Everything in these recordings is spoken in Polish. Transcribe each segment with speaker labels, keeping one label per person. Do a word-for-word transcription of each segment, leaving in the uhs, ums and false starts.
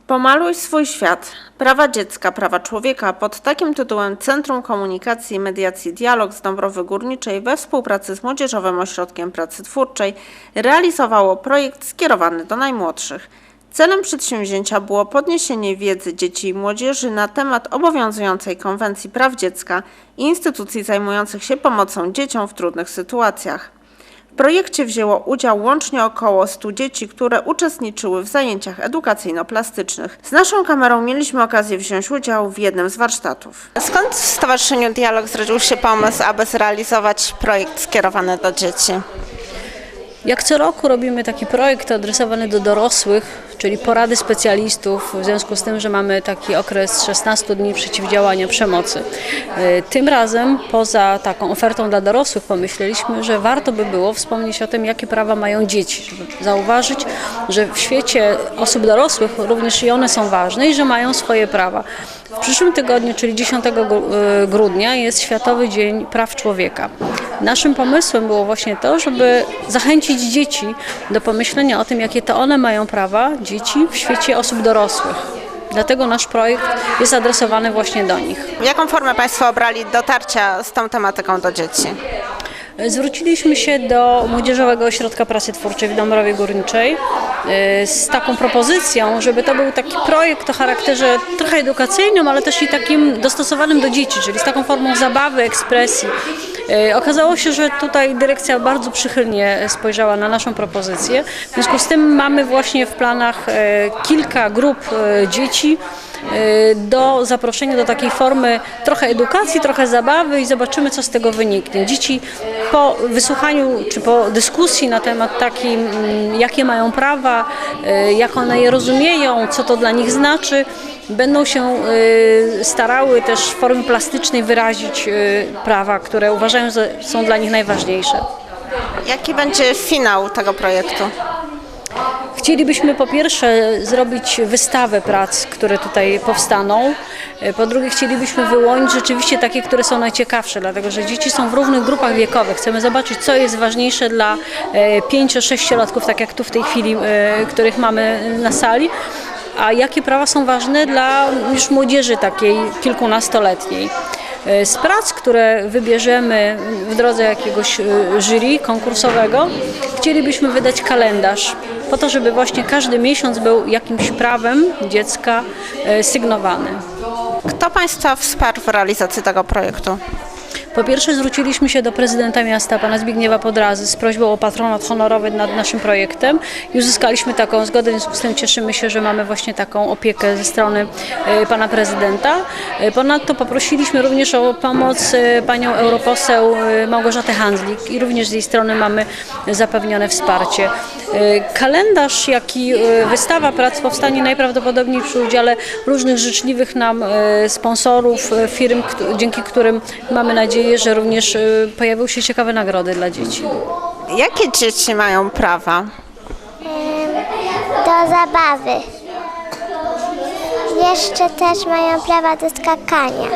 Speaker 1: Pomaluj swój świat. Prawa dziecka, prawa człowieka. Pod takim tytułem Centrum Komunikacji i Mediacji Dialog z Dąbrowy Górniczej we współpracy z Młodzieżowym Ośrodkiem Pracy Twórczej realizowało projekt skierowany do najmłodszych. Celem przedsięwzięcia było podniesienie wiedzy dzieci i młodzieży na temat obowiązującej Konwencji Praw Dziecka i instytucji zajmujących się pomocą dzieciom w trudnych sytuacjach. W projekcie wzięło udział łącznie około stu dzieci, które uczestniczyły w zajęciach edukacyjno-plastycznych. Z naszą kamerą mieliśmy okazję wziąć udział w jednym z warsztatów. Skąd w Stowarzyszeniu Dialog zrodził się pomysł, aby zrealizować projekt skierowany do dzieci?
Speaker 2: Jak co roku robimy taki projekt adresowany do dorosłych, czyli porady specjalistów, w związku z tym, że mamy taki okres szesnastu dni przeciwdziałania przemocy. Tym razem poza taką ofertą dla dorosłych pomyśleliśmy, że warto by było wspomnieć o tym, jakie prawa mają dzieci, żeby zauważyć, że w świecie osób dorosłych również i one są ważne i że mają swoje prawa. W przyszłym tygodniu, czyli dziesiątego grudnia, jest Światowy Dzień Praw Człowieka. Naszym pomysłem było właśnie to, żeby zachęcić dzieci do pomyślenia o tym, jakie to one mają prawa, dzieci, w świecie osób dorosłych. Dlatego nasz projekt jest adresowany właśnie do nich.
Speaker 1: Jaką formę Państwo obrali dotarcia z tą tematyką do dzieci?
Speaker 2: Zwróciliśmy się do Młodzieżowego Ośrodka Pracy Twórczej w Dąbrowie Górniczej z taką propozycją, żeby to był taki projekt o charakterze trochę edukacyjnym, ale też i takim dostosowanym do dzieci, czyli z taką formą zabawy, ekspresji. Okazało się, że tutaj dyrekcja bardzo przychylnie spojrzała na naszą propozycję. W związku z tym mamy właśnie w planach kilka grup dzieci do zaproszenia do takiej formy trochę edukacji, trochę zabawy i zobaczymy, co z tego wyniknie. Dzieci po wysłuchaniu czy po dyskusji na temat takim, jakie mają prawa, jak one je rozumieją, co to dla nich znaczy, będą się starały też w formie plastycznej wyrazić prawa, które uważają, że są dla nich najważniejsze.
Speaker 1: Jaki będzie finał tego projektu?
Speaker 2: Chcielibyśmy po pierwsze zrobić wystawę prac, które tutaj powstaną. Po drugie chcielibyśmy wyłonić rzeczywiście takie, które są najciekawsze, dlatego że dzieci są w różnych grupach wiekowych. Chcemy zobaczyć, co jest ważniejsze dla pięcio-sześciolatków, tak jak tu w tej chwili, których mamy na sali, a jakie prawa są ważne dla już młodzieży takiej kilkunastoletniej. Z prac, które wybierzemy w drodze jakiegoś jury konkursowego, chcielibyśmy wydać kalendarz, po to, żeby właśnie każdy miesiąc był jakimś prawem dziecka sygnowany.
Speaker 1: Kto Państwa wsparł w realizacji tego projektu?
Speaker 2: Po pierwsze zwróciliśmy się do prezydenta miasta, pana Zbigniewa Podrazy, z prośbą o patronat honorowy nad naszym projektem i uzyskaliśmy taką zgodę, w związku z tym cieszymy się, że mamy właśnie taką opiekę ze strony pana prezydenta. Ponadto poprosiliśmy również o pomoc panią europoseł Małgorzatę Handzlik i również z jej strony mamy zapewnione wsparcie. Kalendarz, jak i wystawa prac powstanie najprawdopodobniej przy udziale różnych życzliwych nam sponsorów, firm, dzięki którym mamy nadzieję, że również pojawią się ciekawe nagrody dla dzieci.
Speaker 1: Jakie dzieci mają prawa?
Speaker 3: Do zabawy. Jeszcze też mają prawa do skakania.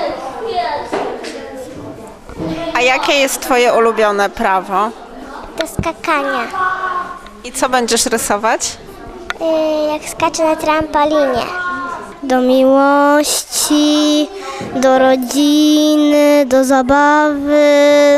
Speaker 1: A jakie jest Twoje ulubione prawo?
Speaker 3: Do skakania.
Speaker 1: I co będziesz rysować?
Speaker 3: Jak skaczę na trampolinie. Do miłości, do rodziny, do zabawy,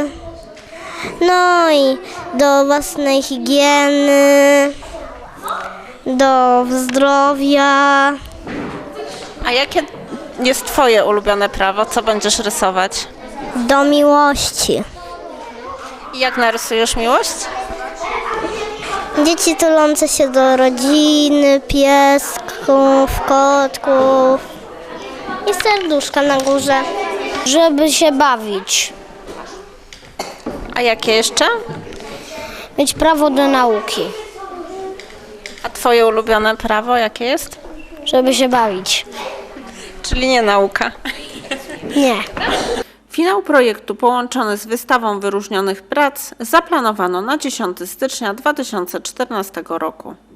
Speaker 3: no i do własnej higieny, do zdrowia.
Speaker 1: A jakie jest Twoje ulubione prawo? Co będziesz rysować?
Speaker 3: Do miłości.
Speaker 1: I jak narysujesz miłość?
Speaker 3: Dzieci tulące się do rodziny, piesków, kotków i serduszka na górze. Żeby się bawić.
Speaker 1: A jakie jeszcze?
Speaker 3: Mieć prawo do nauki.
Speaker 1: A Twoje ulubione prawo jakie jest?
Speaker 3: Żeby się bawić.
Speaker 1: Czyli nie nauka.
Speaker 3: Nie.
Speaker 1: Finał projektu połączony z wystawą wyróżnionych prac zaplanowano na dziesiątego stycznia dwa tysiące czternastego roku.